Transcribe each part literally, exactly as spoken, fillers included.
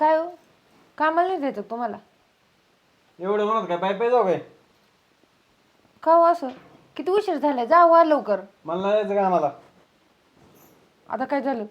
काय हो कामाला नाही द्यायचं तुम्हाला? एवढं म्हणत काय पाय पाय जाऊ काय? का हो असं? किती उशीर झालाय, जा वा लवकर. मला नाही जायचं का आम्हाला? आता काय झालं?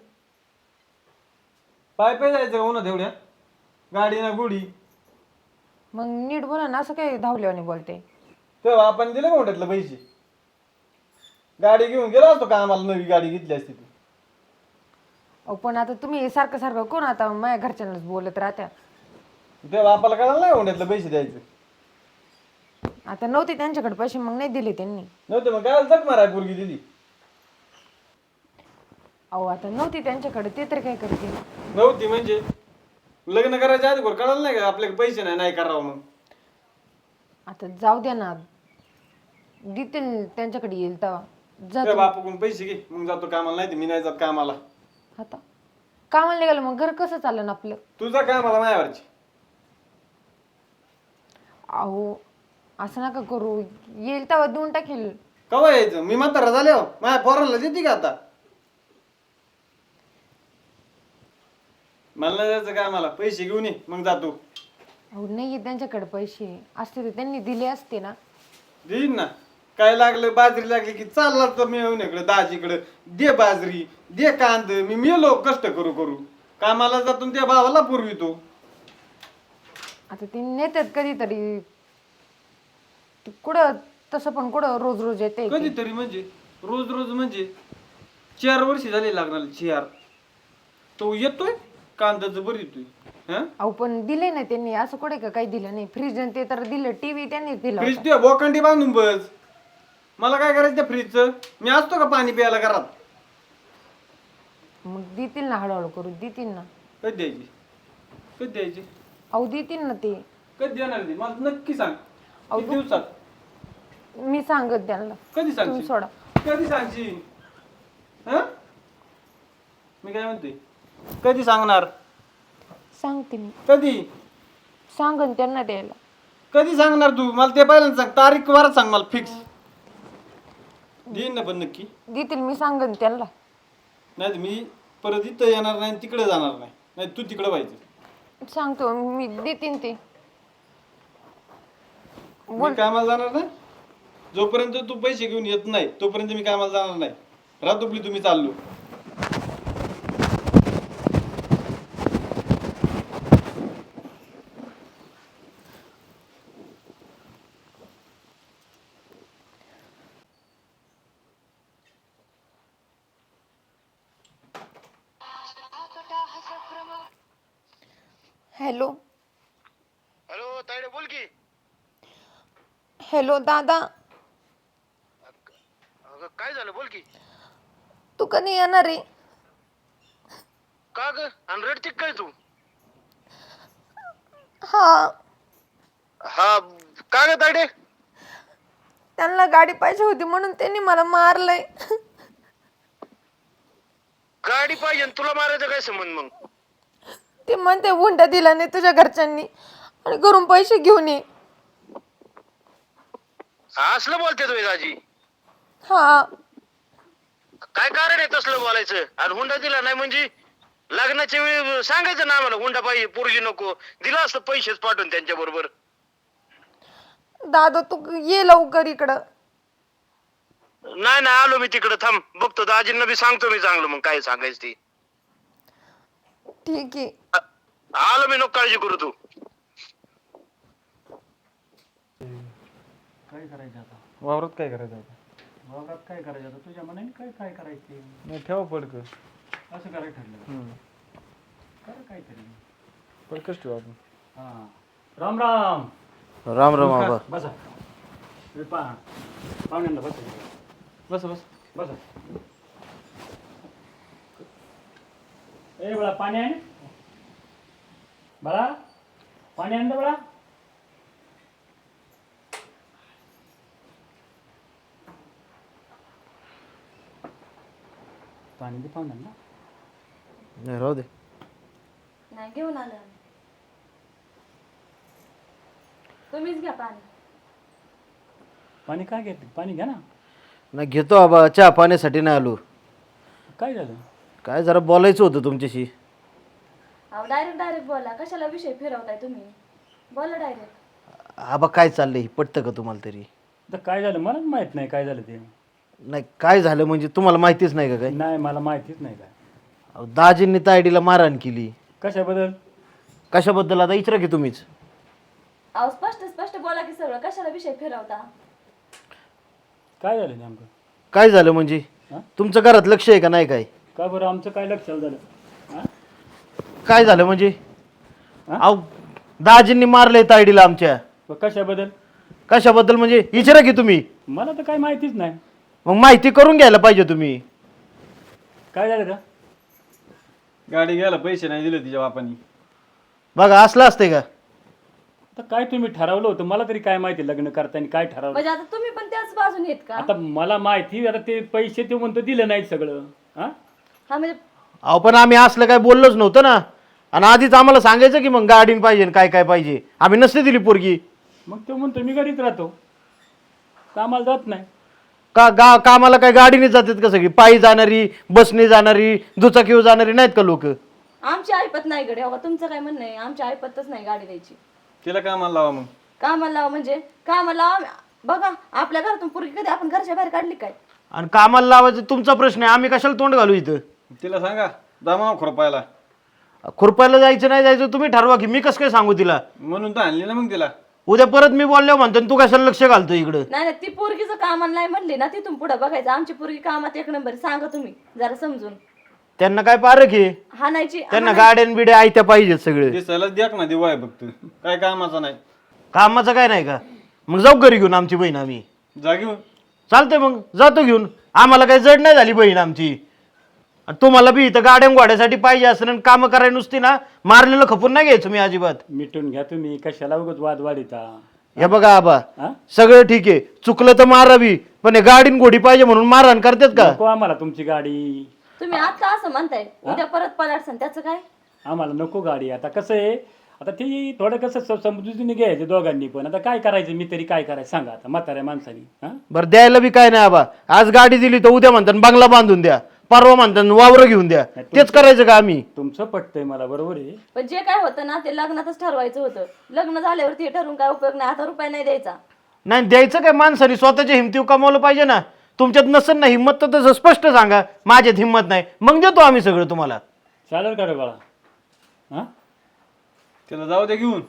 पाय पाय जायचं का उन्हात एवढ्या? गाडी ना गुडी. मग नीट बोला ना, असं काय धावल्यावानी बोलते? तेव्हा आपण दिले मोठ्यातलं पैसे. गाडी घेऊन गेलो असतो का आम्हाला, नवी गाडी घेतली असती तू. अहो पण आता तुम्ही सारखं सारखं कोण आता माझ्या घरच्यांनाच बोलत राहत्या. तेव्हा आपल्याला कळालं नाही मोठ्यातलं पैसे द्यायचं. आता नव्हते त्यांच्याकडे पैसे, मग नाही दिले त्यांनी. नव्हते मग काय जग माराय पोरगी दिली. अहो आता नव्हती त्यांच्याकडे, ते तरी काय करतील? नव्हती म्हणजे लग्न करायच्या आधी बरं कळालं नाही का आपल्याकडे पैसे नाही नाही करावं मग. आता जाऊ द्या ना, देतील त्यांच्याकडे येईल तेव्हा. जा त्या बापूकडून पैसे घे मग जातो कामाला, नाही तर मी नाही जात कामाला. आता कामाला निघालं मग घर कसं चाललं ना आपलं? तुझा कामाला मायावरची. अहो असं नका करू, येईल तेव्हा देऊन टाकेल. कवा यायचं? मी म्हातारा झाले हो, माझ्या पोराला देते का आता? मला नाही जायचं कामाला, पैसे घेऊन ये मग जातो. अहो नाही त्यांच्याकडे पैसे असते तर त्यांनी दिले असते ना. देईन ना. काय लागलं, बाजरी लागली की चालला तर मी येऊन इकडे दाजीकडे, दे बाजरी दे कांद. मी मेलो कष्ट करू करू, कामाला जातो त्या भावाला पुरवितो. आता ते नेतात कधीतरी, ते कुठं तसं पण कुठं रोज रोज येते. कधीतरी म्हणजे रोज रोज म्हणजे चार वर्षी झाले लागणार. चार तो येतोय कांद्याचं बरं येतोय. हा अहो पण दिले नाही त्यांनी, असं कुठे का काही दिलं नाही. फ्रीज ते तर दिलं, टीव्ही त्यांनी दिला फ्रीज होता. ते बोकांडी बांधून बस. मला काय करायचं त्या फ्रीजचं? मी असतो का पाणी प्यायला घरात? मग देतील ना, हळूहळू करू देतील ना. कधी द्यायची? कधी द्यायची? अहो देतील ना ते. कधी देणार ते मला नक्की सांग. अहो, किती दिवसात? मी सांगत त्यांना. कधी तुम्ही सांगशील? सोडा. कधी सांगशील? हा मी काय म्हणते, कधी सांगणार? सांगते मी, कधी सांगन त्यांना द्यायला. कधी सांगणार तू? मला ते पहिल्यांदा सांग, तारीख वारच सांग मला फिक्स. देईन ना पण नक्की. देतील, मी सांगन त्यांना. नाही मी परत इथं येणार नाही, तिकडे जाणार नाही. नाही तू तिकडे व्हायचं. सांगतो मी, देतील ते. मी कामाला जाणार नाही जोपर्यंत तू पैसे घेऊन येत नाही, तोपर्यंत मी कामाला जाणार नाही. रातोपली तुम्ही चाललो. हॅलो हॅलो तायडे बोल की. हॅलो दादा, अगं काय झालं बोल की. तू कधी येणार आहे? का ग आणि रडती काय तू? हा, हा का ग तायडे? त्यांना गाडी पाहिजे होती म्हणून त्यांनी मला मारलंय. गाडी पाहिजे आणि तुला मारायचं काय संबंध मग? ते म्हणते हुंडा दिला नाही तुझ्या घरच्यांनी आणि घरून पैसे घेऊन ये. असलं बोलते तुम्ही दाजी? हा, काय कारण आहे तसलं बोलायचं? आणि हुंडा दिला नाही म्हणजे लग्नाच्या वेळी सांगायचं ना आम्हाला हुंडा पाहिजे, पोरगी नको. दिला असतं पैसेच पाठवून त्यांच्या बरोबर. दादा तू ये लवकर इकडं. नाही नाही आलो मी तिकडं, थांब बघतो दाजींना बी सांगतो मी चांगलं मग काय सांगायचं ते. ठीक आहे. आ- आलो मी, नको काळजी करू तू. काय करायचं आता? वावरात काय करायचं आता? वावरात काय करायचं आता? तुझ्या मनाने काय काय करायचे? नाही ठेवा पडक. असं करायचं ठरलं. कर काहीतरी. पडकच ठेवा आपण. हा, राम राम. राम राम बाबा. बसा. हे पहा, पाहुण्यांना बसा. बस बस बसा. ए बळा, पाणी आहे? बळा, पाणी आणलं बळा? पाणी दे पाहुण्यांना. नाही राहू दे. नाही घेऊन आलं आम्ही. तुम्हीच घ्या पाणी. पाणी काय घेते? पाणी घ्या ना. नाही घेतो बाबा, चहा पाण्यासाठी नाही आलो. काय झालं? काय जरा बोलायचं होतं तुमच्याशी. अहो डायरेक्ट डायरेक्ट बोला, कशाला विषय फिरवताय तुम्ही? बोला डायरेक्ट. आबा काय चाललंय पटतं का तुम्हाला तरी? तर काय झालं मला माहित नाही काय झालं ते. नाही काय झालं म्हणजे तुम्हाला माहितीच नाही का काय? नाही मला माहितीच नाही काय. अहो, दाजींनी तायडीला मारहाण केली. कशाबद्दल? कशाबद्दल आता विचारा की तुम्हीच. अहो स्पष्ट स्पष्ट बोला की सगळं, कशाला विषय फिरवता? काय झालं नेमकं? काय झालं म्हणजे? हा? तुमचं घरात लक्ष आहे का नाही काय? का बरं आमचं काय लक्षात झालं? हा? काय झालं म्हणजे? हा? अहो दाजींनी मारलंय तायडीला आमच्या. व कशाबद्दल? कशाबद्दल म्हणजे विचारा की तुम्ही. मला तर काय माहितीच नाही. मग माहिती करून घ्यायला पाहिजे तुम्ही. काय झालं का? गाडी घ्यायला पैसे नाही दिले तिच्या बापानी. बघा असलं असतंय का? आता काय तुम्ही ठरवलं होतं मला तरी काय माहिती लग्न करताना काय ठरवलं? म्हणजे आता तुम्ही पण त्याच बाजून येत का? आता मला माहिती आता ते पैसे ते म्हणतो दिलं नाही सगळं. हा हा म्हणजे अहो पण आम्ही असलं काय बोललोच नव्हतं ना. आणि आधीच आम्हाला सांगायचं की मग गाडीन पाहिजे काय काय पाहिजे. आम्ही नसते दिली पोरगी. मग तो म्हणतो मी घरीच राहतो, कामाला जात नाही. का गा कामाला काय गाडीने जातात का सगळी? पायी जाणारी, बसने जाणारी, दुचाकीवर जाणारी नाहीत का लोक? आमची ऐपत नाही गडे. अहो तुमचं काय म्हणणं आहे? आमची ऐपतच नाही गाडी द्यायची. तिला कामाला लावा मग. कामाला लावा म्हणजे कामाला लावा. बघा आपल्या घरातून पोरगी कधी आपण घरच्या बाहेर काढली काय? आणि कामाला लावायचं तुमचा प्रश्न आहे. आम्ही कशाला तोंड घालू इथं? तिला सांगा जमाव खुरपायला. खुरपायला जायचं नाही जायचं तुम्ही ठरवा की. मी कसं काय सांगू तिला? म्हणून तर आणली ना मग तिला. उद्या परत मी बोललो म्हणतो आणि तू कशाला लक्ष घालतो इकडं? नाही नाही, ती पोरगीचं कामाला नाही म्हणली ना, तिथून पुढे बघायचं. आमची पोरगी कामात एक नंबर. सांगा तुम्ही जरा समजून. त्यांना काय पारख आहे? हाणायची त्यांना गाड्यान बिड्या आयत्या पाहिजेत सगळे. दिसायला द्याक ना दिवाय फक्त, काय कामाचा नाही. कामाचं काय नाही का? मग जाऊ घरी घेऊन आमची बहीण आम्ही. जा घेऊन. चालतंय मग जातो घेऊन. आम्हाला काही जड नाही झाली बहीण आमची. आणि तुम्हाला बी इथं गाड्या घोड्यासाठी पाहिजे असं आणि कामं करायला नुसती ना मारलेलं खपून नाही घ्यायचं मी अजिबात. मिटून घ्या तुम्ही, कशाला उगाच वाद वाढीता. हे बघा आबा हा? सगळं ठीक आहे, चुकलं तर मारावी, पण हे गाडीन घोडी पाहिजे म्हणून मारहाण करतात का? नको आम्हाला तुमची गाडी. तुम्ही आता असं म्हणताय, उद्या परत पलाटसन त्याचं काय? आम्हाला नको गाडी. आता कसं आहे, आता ती थोडं कसं स- समजुतीने घ्यायचं दोघांनी पण. आता काय करायचं, मी तरी काय करायचं सांगा आता म्हाताऱ्या माणसानी. हा बरं द्यायला बी काय नाही आबा. आज गाडी दिली तर उद्या म्हणतात बंगला बांधून द्या, परवा म्हणतात वावर घेऊन द्या. तेच करायचं का आम्ही? तुमचं पटतंय मला, बरोबर आहे. पण जे काय होतं ना ते लग्नातच ठरवायचं होतं. लग्न झाल्यावरती हे ठरवून काय उपयोग नाही. आता रुपये नाही द्यायचा. नाही द्यायचं काय, माणसाने स्वतःच्या हिमतीव कमावलं पाहिजे ना. तुमच्यात नसेल ना हिंमत तर तसं स्पष्ट सांगा, माझ्यात हिंमत नाही, मग देतो आम्ही सगळं तुम्हाला. चालेल का रे बाळा? हा तिला जाऊ दे घेऊन.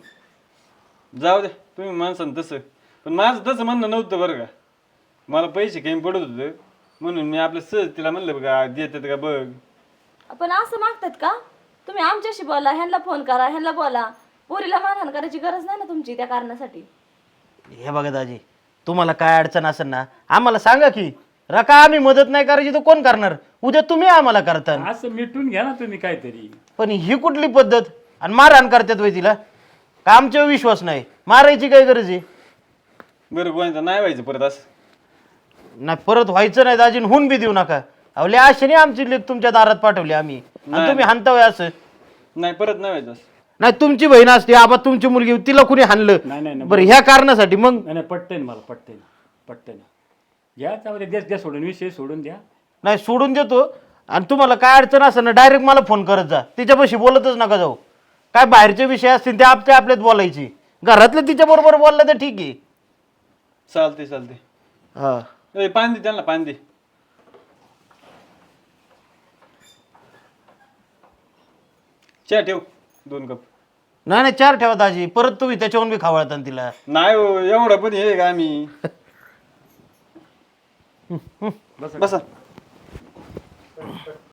जाऊ दे तुम्ही माणसानं तसं. पण माझं तसं म्हणणं नव्हतं बरं का. मला पैसे कमी पडत होतं म्हणून मी आपलं सहज तिला म्हणलं बघा देतात का बघ. पण असं मागतात का तुम्ही? आमच्याशी बोला, ह्यांना फोन करा, ह्यांना बोला. पोरीला मारहाण करायची गरज नाही ना तुमची त्या कारणासाठी. हे बघा दाजी, तुम्हाला काय अडचण असेल ना आम्हाला सांगा की. रका आम्ही मदत नाही करायची तर कोण करणार? उद्या तुम्ही आम्हाला करता. असं मिटून घ्या ना तुम्ही काहीतरी. पण ही कुठली पद्धत? आणि मारहाण करतात वय तिला का? आमच्यावर विश्वास नाही, मारायची काय गरज आहे? बरं गोविंदा नाही व्हायचं परत असं. नाही परत व्हायचं नाही दाजीन, होऊन बी देऊ नका. अवले आशेने आमची लेक तुमच्या दारात पाठवली आम्ही आणि तुम्ही हाणतावय असं. नाही परत नाही व्हायचं असं. नाही तुमची बहीण असते आबा, तुमची मुलगी होती, तिला कुणी हाणलं नाही नाही नाही. बरं ह्या कारणासाठी? मग नाही नाही, पटतंय ना मला, पटतंय ना, पटतंय ना. घ्या त्यामध्ये द्या द्या सोडून, विषय सोडून द्या. नाही सोडून देतो. आणि तुम्हाला काय अडचण असेल ना डायरेक्ट मला फोन करत जा. तिच्यापाशी बोलतच नका जाऊ. काय बाहेरचे विषय असतील ते आपल्या आपल्यात बोलायची. घरातले तिच्या बरोबर बोललं तर ठीक आहे. चालते चालते. हा ए पाणी दे त्यांना, पाणी दे. चहा ठेव दोन कप. नाही नाही चार ठेवा दाजी, परत तुम्ही त्याच्यावरून बी खावळता तिला. नाही हो एवढं पण हे का आम्ही. बसा.